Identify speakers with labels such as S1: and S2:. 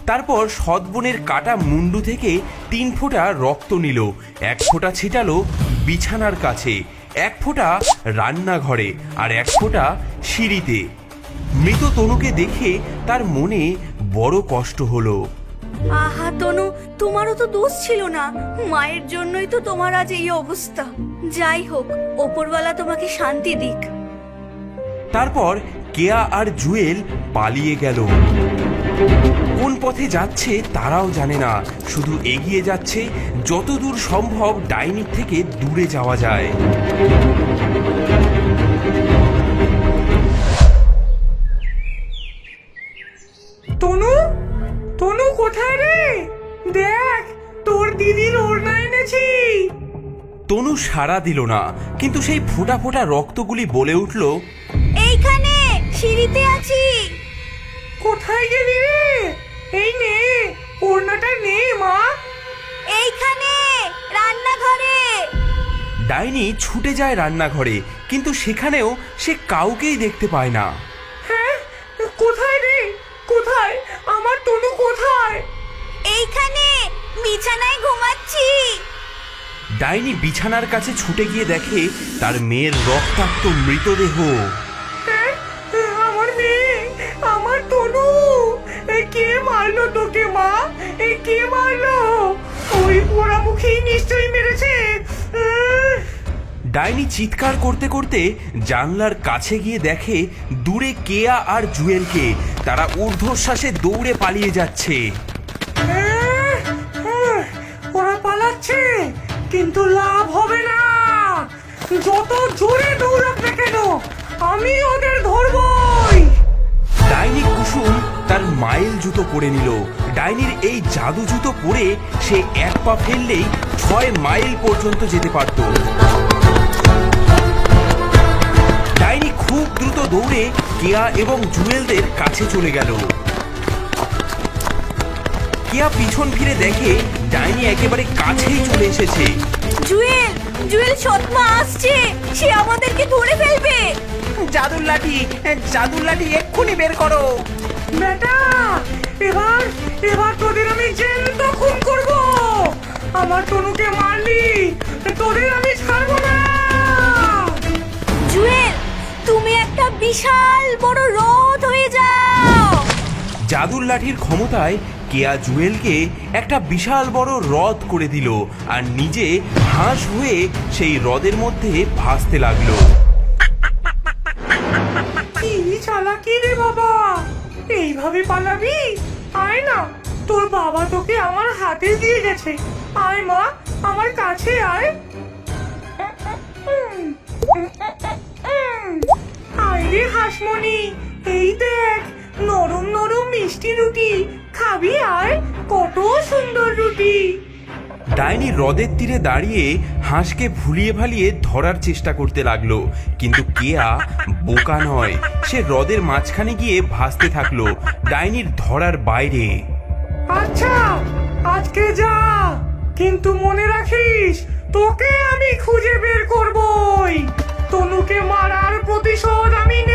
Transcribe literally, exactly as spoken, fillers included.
S1: তারপর সৎবোনের কাটা মুন্ডু থেকে তিন ফোঁটা রক্ত নিল। এক ফোঁটা ছিটালো বিছানার কাছে, এক ফোঁটা রান্নাঘরে, আর এক ফোঁটা সিঁড়িতে। মৃত তনুকে দেখে তার মনে বড় কষ্ট হলো।
S2: আহা তনু, তোমারও তো দোষ ছিল না, মায়ের জন্যই তো তোমার আজ এই অবস্থা। যাই হোক, ওপরওয়ালা তোমাকে শান্তি দিক।
S1: তারপর কেয়া আর জুয়েল পালিয়ে গেল। কোন পথে যাচ্ছে তারাও জানে না, শুধু এগিয়ে যাচ্ছে যতদূর সম্ভব ডাইনির থেকে দূরে যাওয়া যায়।
S3: তনু, তনু কোথায় রে? দেখ, তোর দিদির ওড়না এনেছি।
S1: তনু সাড়া দিল না, কিন্তু সেই ফোঁটা ফোঁটা রক্তগুলি বলে উঠল,
S2: এইখানে সিঁড়িতে আছি।
S3: কোথায় গেলি রে? এই নে, ওড়নাটা নে মা।
S2: এইখানে রান্নাঘরে।
S1: ডাইনি ছুটে যায় রান্নাঘরে, কিন্তু সেখানেও সে কাউকেই দেখতে পায় না।
S3: হ্যাঁ, কোথায় রে? কোথায় আমার তনু? কোথায়?
S2: এইখানে বিছানায় ঘুমাচ্ছি।
S1: ডাইনি বিছানার কাছে ছুটে গিয়ে দেখে তার মেয়ের রক্তাক্ত মৃতদেহ।
S3: হ্যাঁ, আমার মেয়ে, আমার তনু। এ কে মারলো তোকে মা? এ কে মারলো? ওই পোড়ামুখী নিশ্চয়ই মেরেছে। আহ!
S1: ডাইনি চিৎকার করতে করতে জানলার কাছে গিয়ে দেখে দূরে কেয়া আর জুয়েলকে। তারা ঊর্ধ্বশ্বাসে দৌড়ে পালিয়ে যাচ্ছে।
S3: আহ! আহ! ওরা পালাচ্ছে, কিন্তু লাভ হবে না। যত জোরে দৌড়াক না কেন, আমি ওদের ধরবই।
S1: ডাইনি কুসুম তার মাইল জুতো পরে নিল। ডাইনির এই জাদু জুতো পরে সে এক পা ফেললেই ছয় মাইল পর্যন্ত যেতে পারত। ডাইনি খুব দ্রুত দৌড়ে কেয়া এবং জুয়েলদের কাছে চলে গেল। কেয়া পিছন ফিরে দেখে ডাইনি একেবারে কাছেই চলে এসেছে।
S2: জুয়েল, জুয়েল সৎমা আসছে, সে আমাদেরকে ধরে ফেলবে।
S4: জাদুর লাঠি, জাদুর লাঠি এক্ষুনি বের করো।
S3: বেটা, এবার এবার তোদের আমি জ্যান্ত খুন করব। আমার তনুকে মারলি, তোদের আমি ছাড়বো না।
S2: জুয়েল, তুমি একটা বিশাল বড় রথ হয়ে যাও।
S1: জাদুর লাঠির ক্ষমতায় কেয়া জুয়েলকে একটা বিশাল বড় হ্রদ করে দিল, আর নিজে হাঁস হয়ে সেই হ্রদের মধ্যে ভাসতে লাগলো।
S3: কি চালাকি রে বাবা, এইভাবে পালাবি? আয় না, তোর বাবা তোকে আমার হাতে দিয়ে গেছে। আয় মা, আমার কাছে আয়। আয় রে হাসমণি, এই দেখ নরম নরম মিষ্টি রুটি। খাবি? আয়, কত সুন্দর রুটি।
S1: ডাইনি হ্রদের তীরে দাঁড়িয়ে হাঁসকে ভুলিয়ে ভালিয়ে ধরার চেষ্টা করতে লাগলো, কিন্তু কেয়া বোকা নয়, সে হ্রদের মাঝখানে গিয়ে ভাসতে থাকলো ডাইনির ধরার বাইরে।
S3: আচ্ছা, আজকে যা, কিন্তু মনে রাখিস তোকে আমি খুঁজে বের করবই। তনুকে মারার প্রতিশোধ আমি নেব।